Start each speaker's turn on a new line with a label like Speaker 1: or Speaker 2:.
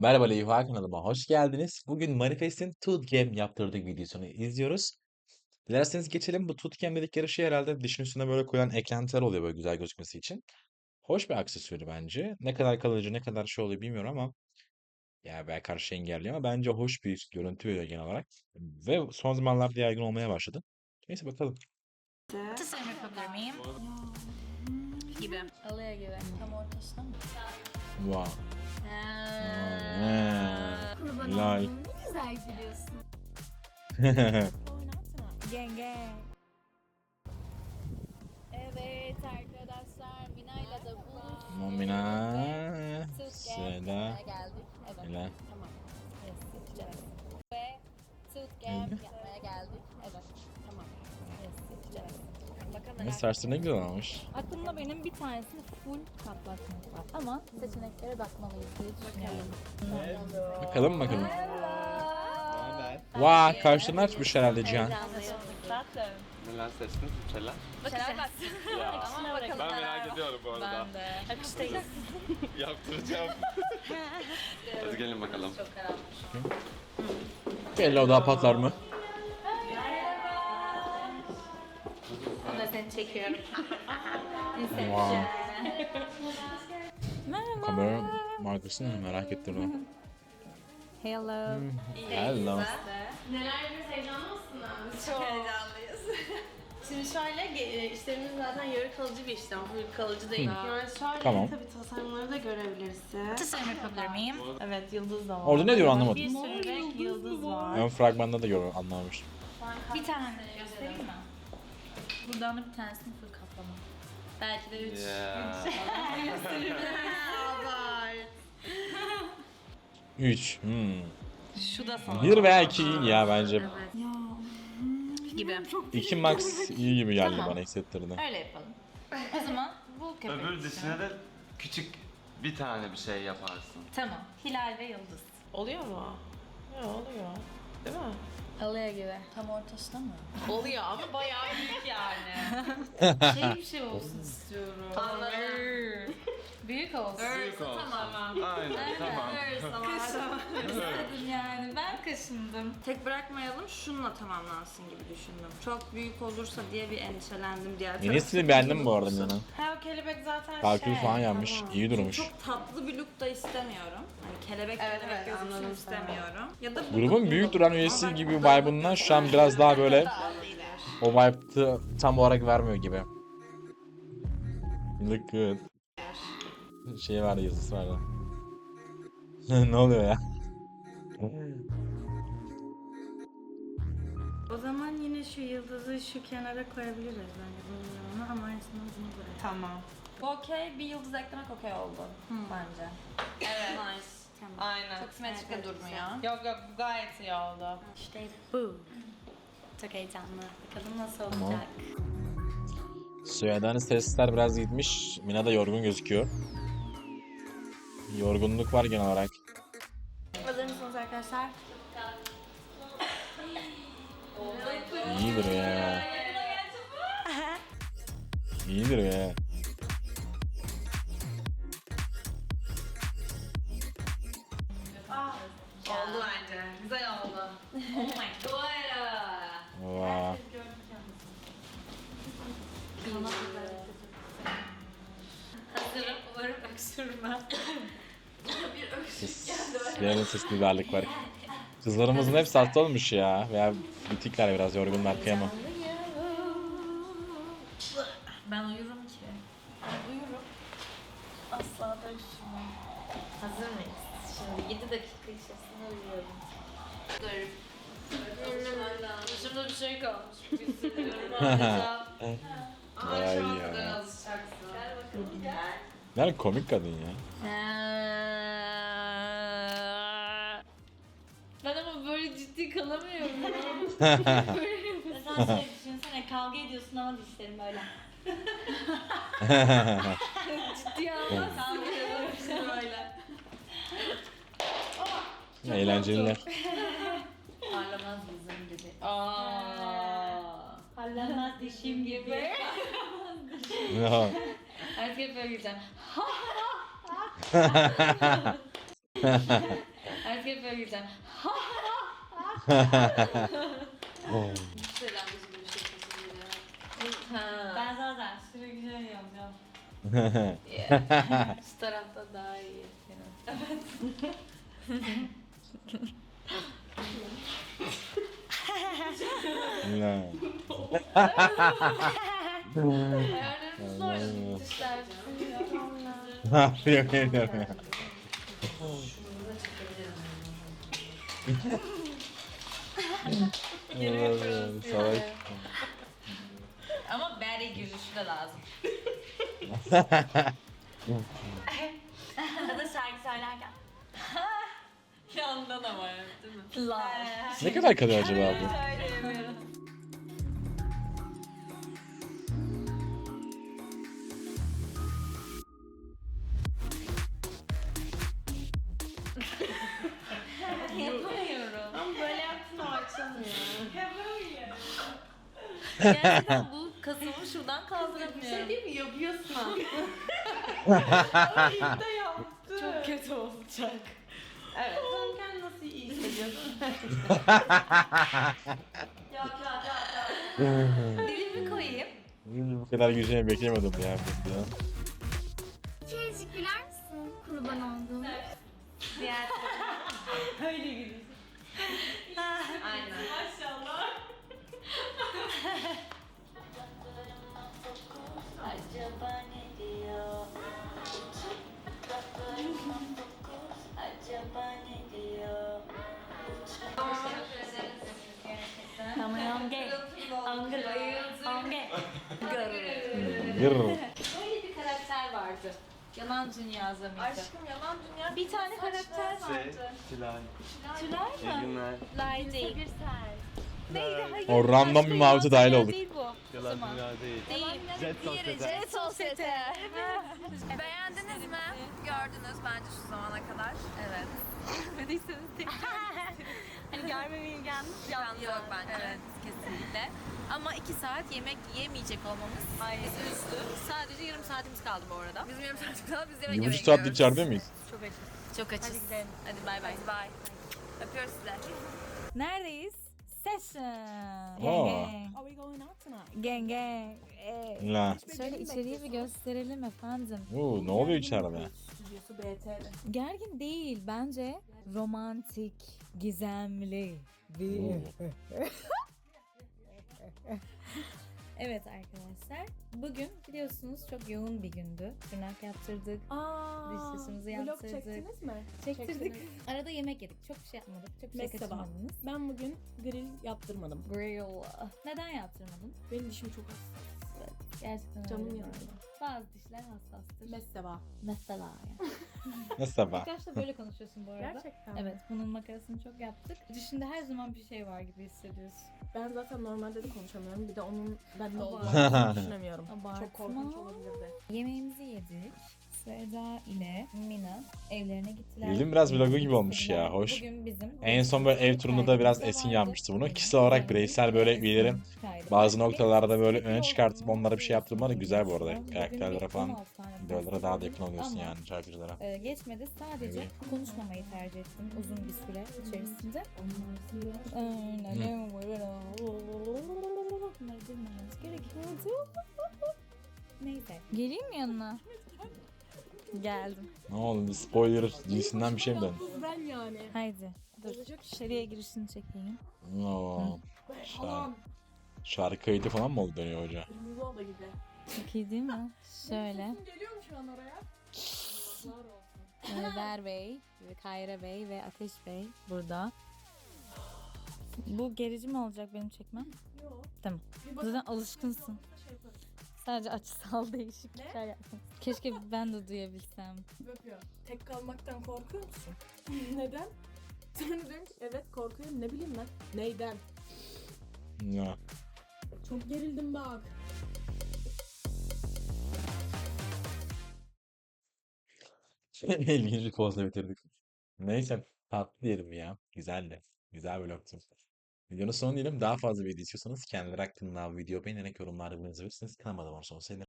Speaker 1: Merhaba Leyva kanalıma hoş geldiniz. Bugün Manifest'in Tootgame yaptırdığı videosunu izliyoruz. Dilerseniz geçelim. Bu Tootgame dedikleri şey herhalde dişin üstüne böyle koyulan eklentiler oluyor böyle güzel gözükmesi için. Hoş bir aksesuarı bence. Ne kadar kalıcı, ne kadar şey oluyor bilmiyorum ama ya belki karşı engelliyor ama bence hoş bir görüntü veriyor genel olarak. Ve son zamanlarda yaygın olmaya başladı. Neyse bakalım.
Speaker 2: Tasarım yapabilir miyim? Gibi. Alaya gibi. Tam ortasına mı?
Speaker 1: Wow.
Speaker 2: Kurban
Speaker 1: Lal.
Speaker 2: oldum. Ne güzel gülüyorsun. Yenge. Evet arkadaşlar Mina'yla da buluştuk.
Speaker 1: Momina.
Speaker 2: Tootgame
Speaker 1: Seda.
Speaker 2: yapmaya geldik. Evet.
Speaker 1: Ela.
Speaker 2: Tamam. Yes, yapacağız. Ve Tootgame
Speaker 1: Öyle.
Speaker 2: yapmaya geldik. Evet. Tamam. Yes, yapacağız. Bakalım
Speaker 1: Ne saçları ne güzel olmuş.
Speaker 2: Aklımda benim bir tanesini full kaplatmak var. Ama seçeneklere bakmalıyız diye düşünüyorum.
Speaker 1: Bakalım bakalım. Vay karşını açmış herhalde Cihan.
Speaker 3: Neler seçtiniz bir şeyler?
Speaker 2: Bakacağız.
Speaker 3: Ya.
Speaker 2: Ama bakalım
Speaker 3: Ben
Speaker 2: neler
Speaker 3: merak
Speaker 2: var.
Speaker 3: ediyorum bu arada.
Speaker 2: Ben de. Akıştayız.
Speaker 3: Yaptıracağım. Hadi gelin bakalım.
Speaker 2: Çok karanlık.
Speaker 1: Belli o daha patlar mı?
Speaker 2: O da seni çekiyorum.
Speaker 1: Wow. Kamera markasını mı merak ettim ben.
Speaker 2: Hello.
Speaker 1: Hello.
Speaker 4: Neler yapıyoruz, heyecanlı mısın abi? Çok heyecanlıyız. Şimdi şöyle, işlerimiz zaten yarı kalıcı bir işlem, full kalıcı değil. Yani şöyle
Speaker 1: Tamam.
Speaker 4: tabii tasarımları da görebilirsin.
Speaker 2: Tasarım yapabilir miyim?
Speaker 4: Evet, yıldız da var.
Speaker 1: Orada ne diyor anlamadım.
Speaker 4: Bir sürü renk yıldız var.
Speaker 1: Ön fragmanda da anlamamıştım.
Speaker 2: Bir tane göstereyim mi? Buradan da bir tanesini full kaplama. Belki de 3.
Speaker 3: Yeah.
Speaker 1: 3.
Speaker 4: Şu da sana.
Speaker 1: 1 veya 2 iyi ya bence.
Speaker 2: Gibi.
Speaker 1: 2 max iyi gibi geldi
Speaker 2: Tamam.
Speaker 1: bana hissettirdi.
Speaker 2: Öyle yapalım. O zaman bu köpek.
Speaker 3: Öbür dişine de küçük bir tane bir şey yaparsın.
Speaker 2: Tamam. Hilal ve Yıldız.
Speaker 4: Oluyor mu? Ya oluyor. Değil mi?
Speaker 2: Alaya gibi. Tam ortasına mı?
Speaker 4: Oluyor ama bayağı büyük yani.
Speaker 2: Bir şey olsun istiyorum.
Speaker 4: Anladım.
Speaker 2: Büyük olsun.
Speaker 3: Büyük olsun.
Speaker 4: Tamam.
Speaker 3: Aynen tamam.
Speaker 2: İstedim yani. Ben kaşındım.
Speaker 4: Tek bırakmayalım, şununla tamamlansın gibi düşündüm. Çok büyük olursa diye bir endişelendim diğer
Speaker 1: Yeni stili beğendim bu arada Mina.
Speaker 4: Ha, o kelebek zaten
Speaker 1: Kalkül falan yapmış.
Speaker 4: tamam.
Speaker 1: İyi durmuş.
Speaker 4: Çok tatlı bir look da istemiyorum. Hani kelebek gözüksün istemiyorum. Ya da bu
Speaker 1: Grubun büyük duran üyesi gibi vibe'ından şu an biraz daha böyle o vibe'ı tam olarak vermiyor gibi. Look good. Şey vardı yazısı vardı. Ne oluyor ya?
Speaker 4: O zaman yine şu yıldızı şu kenara koyabiliriz bence bunu ama aynısını bunu buraya. Tamam.
Speaker 2: Okey, bir yıldız eklemek okey oldu bence.
Speaker 4: Evet. Nice. Tamam.
Speaker 2: Aynen. Çok simetrik de durmuyor.
Speaker 4: Yok yok, bu gayet iyi oldu.
Speaker 2: İşte bu. Çok heyecanlı. Bakalım nasıl
Speaker 1: Tamam.
Speaker 2: olacak.
Speaker 1: Süheyda'nın sesler biraz gitmiş. Mina da yorgun gözüküyor. Yorgunluk var genel olarak.
Speaker 4: Hazır mısınız arkadaşlar?
Speaker 1: İyidir ya. İyidir ya.
Speaker 4: Oldu bence. Güzel oldu.
Speaker 2: Oh my god.
Speaker 1: Vay.
Speaker 2: Hazırım. Umarım öksürmem.
Speaker 1: Diğerinin sesli biberlik var. Kızlarımızın hepsi hasta olmuş ya. Veya bitikler biraz yorgunlar kıyamam.
Speaker 2: Ben uyurum ki. Ben uyurum. Asla da üşümem. Hazır mıyız? Şimdi 7 dakika içerisinde uyuyorum. Dur. Dışımda bir şey kalmış. Bir sürüyorum adeta.
Speaker 1: Vay ya.
Speaker 4: Alışacaksın.
Speaker 2: Gel bakalım gel.
Speaker 1: Yani komik kadın ya.
Speaker 2: Ben ama böyle ciddi kalamıyorum. Mesela şey düşünsene kavga ediyorsun ama dişlerim böyle. Ciddi almazsın. Kavga ediyorsun böyle.
Speaker 1: Eğlenceliler.
Speaker 2: Parlamaz yüzüm gibi. Parlamaz dişim gibi. Artık hep böyle gideceğim. Artık hep böyle güzel.
Speaker 4: Selam bizim bir şey kesin.
Speaker 2: Ben zaten sürekli şey yapacağım.
Speaker 4: Şu tarafta daha iyi.
Speaker 1: La.
Speaker 4: Ayarlarımız zor. Dişler.
Speaker 1: Ne yapıyor bilmiyorum ya. Allah'ım, salak.
Speaker 2: Ama bere gülüşü de lazım. Ya da şarkı söylerken.
Speaker 4: Yandan ama ya, değil mi?
Speaker 2: La.
Speaker 1: Ne kadar kalıyor acaba bu?
Speaker 2: Söyleyemiyorum. Yapamıyorum.
Speaker 4: Ama böyle yaptın o açılmıyor.
Speaker 2: Gerçekten bu kasımı şuradan
Speaker 4: Bir
Speaker 2: kaldıramıyorum.
Speaker 4: şey değil mi? Yapıyorsun ha. İyi de yaptı.
Speaker 2: Çok kötü olacak.
Speaker 4: Evet. Sen kendini nasıl iyi hissediyorsun?
Speaker 2: Dilimi koyayım.
Speaker 1: Bu kadar güzel beklemiyordum ya. Burada.
Speaker 5: Kerecik güler misin? Kurban olduğum.
Speaker 2: Diğer
Speaker 4: Öyle gülüyorsun.
Speaker 2: Aynen.
Speaker 4: Maşallah.
Speaker 2: Acaba ne diyor? Acaba ne diyor?
Speaker 1: Gır.
Speaker 2: Böyle bir karakter vardı. Yalan Dünya mıydı?
Speaker 4: Aşkım yalan dünya.
Speaker 2: Bir tane karakter
Speaker 3: Şey,
Speaker 2: vardı.
Speaker 3: Tülay.
Speaker 2: Tülay
Speaker 3: İyi
Speaker 2: mı?
Speaker 3: günler.
Speaker 2: Lay değil. Neydi? Hayır.
Speaker 1: O random bir mavi dahil olduk.
Speaker 2: Değil bu.
Speaker 3: Yalan dünya değil.
Speaker 2: Değil.
Speaker 3: Jet sosyete.
Speaker 2: Jet Sosyete.
Speaker 6: Beğendiniz mi? Gördünüz bence şu zamana kadar. Evet.
Speaker 2: Görmediyseniz Hani görmemeye gelmiş.
Speaker 6: Yok bence. Evet, kesinlikle. Ama 2 saat yemek yemeyecek olmamız bizi üzdü. Sadece yarım saatimiz kaldı bu arada. Bizim yarım saatimiz kaldı. Biz yemek
Speaker 1: Bir
Speaker 6: yemeye
Speaker 1: buçuk saat
Speaker 6: gidiyoruz.
Speaker 1: içeride miyiz?
Speaker 6: Çok açız. Hadi bay bay. Bye. Öpüyoruz size.
Speaker 7: Neredeyiz? Session.
Speaker 1: Aa.
Speaker 7: Gang gang. Gang gang.
Speaker 1: La.
Speaker 7: Şöyle içeriği bir gösterelim efendim.
Speaker 1: Oo, ne oluyor içeride?
Speaker 7: Gergin değil bence. Romantik, gizemli bir... Evet arkadaşlar. Bugün biliyorsunuz çok yoğun bir gündü. Tırnak yaptırdık. Diş sesimizi
Speaker 8: Vlog
Speaker 7: yaptırdık.
Speaker 8: çektiniz mi?
Speaker 7: Çektirdik. Arada yemek yedik. Çok bir şey yapmadık. Çok bir şey
Speaker 8: Mesela.
Speaker 7: kaçırmadınız.
Speaker 8: Ben bugün grill yaptırmadım.
Speaker 7: Grill. Neden yaptırmadın?
Speaker 8: Benim dişim çok hassas.
Speaker 7: Gerçekten
Speaker 8: Canım
Speaker 7: öyle bu
Speaker 8: yanıyor.
Speaker 7: arada. Bazı dişler hassastır.
Speaker 8: Mesela.
Speaker 7: Mesela yani.
Speaker 1: Ne sabah?
Speaker 7: İlk başta böyle konuşuyorsun bu arada.
Speaker 8: Gerçekten.
Speaker 7: Evet, bunun makarasını çok yaptık. Dişinde her zaman bir şey var gibi hissediyorsun.
Speaker 8: Ben zaten normalde de konuşamıyorum. Bir de onun bende
Speaker 7: Abartma.
Speaker 8: olduğunu düşünemiyorum.
Speaker 7: Abartma.
Speaker 8: Çok korkunç olabilirdi.
Speaker 7: Yemeğimizi yedik. Seda ile Mina evlerine gittiler.
Speaker 1: Bildiğin biraz vlogu gibi
Speaker 7: Yemek
Speaker 1: olmuş ya,
Speaker 7: istediler.
Speaker 1: hoş.
Speaker 7: Bugün bizim
Speaker 1: En son böyle ev turunda da biraz Esin yapmıştı bunu. Kişisel olarak bireysel böyle üyelerin bazı noktalarda böyle öne çıkartıp onlara bir şey yaptırmaları güzel bu arada. Karakterlere falan, videolara daha da yakın oluyorsun yani şarkıcılara.
Speaker 7: Geçmedi. Sadece
Speaker 1: Evet.
Speaker 7: konuşmamayı tercih ettim uzun bir süre içerisinde. Bunları bilmememiz gerekiyordu. Neyse. Geleyim mi yanına? Geldim.
Speaker 1: Ne oldu? Spoiler dizisinden bir şey mi döndü?
Speaker 8: Ben yani.
Speaker 7: Haydi. Dur. Dışarıya girişini çekeyim.
Speaker 1: Oo. Şarkı kaydı falan mı oldu dönüyor hoca?
Speaker 8: Kırmızı oda gibi.
Speaker 7: Çok iyi değil mi? Şöyle.
Speaker 8: Sesim geliyor mu şu an oraya? Yazıklar olsun.
Speaker 7: Ver Bey, ve Kayra Bey ve Ateş Bey burada. Bu gerici mi olacak benim çekmem?
Speaker 8: Yok.
Speaker 7: Tamam.
Speaker 8: Bir
Speaker 7: Zaten
Speaker 8: bakın.
Speaker 7: alışkınsın.
Speaker 8: Şey yaparız.
Speaker 7: Sadece açısal değişiklikler yapmak. Keşke ben de duyabilsem.
Speaker 8: Öpüyor. Tek kalmaktan korkuyor musun? Neden? Sonra diyorum ki evet korkuyorum. Ne bileyim ben. Neyden?
Speaker 1: Ya.
Speaker 8: Çok gerildim bak.
Speaker 1: İlginç bir pozla bitirdik. Neyse tatlı diyelim ya. Güzeldi. Güzel vlogtu. Videonun sonu diyelim. Daha fazla video istiyorsanız kendileri hakkında video beğenerek yorumlarda bulunabilirsiniz. Kanalıma da abone olursanız sevinirim.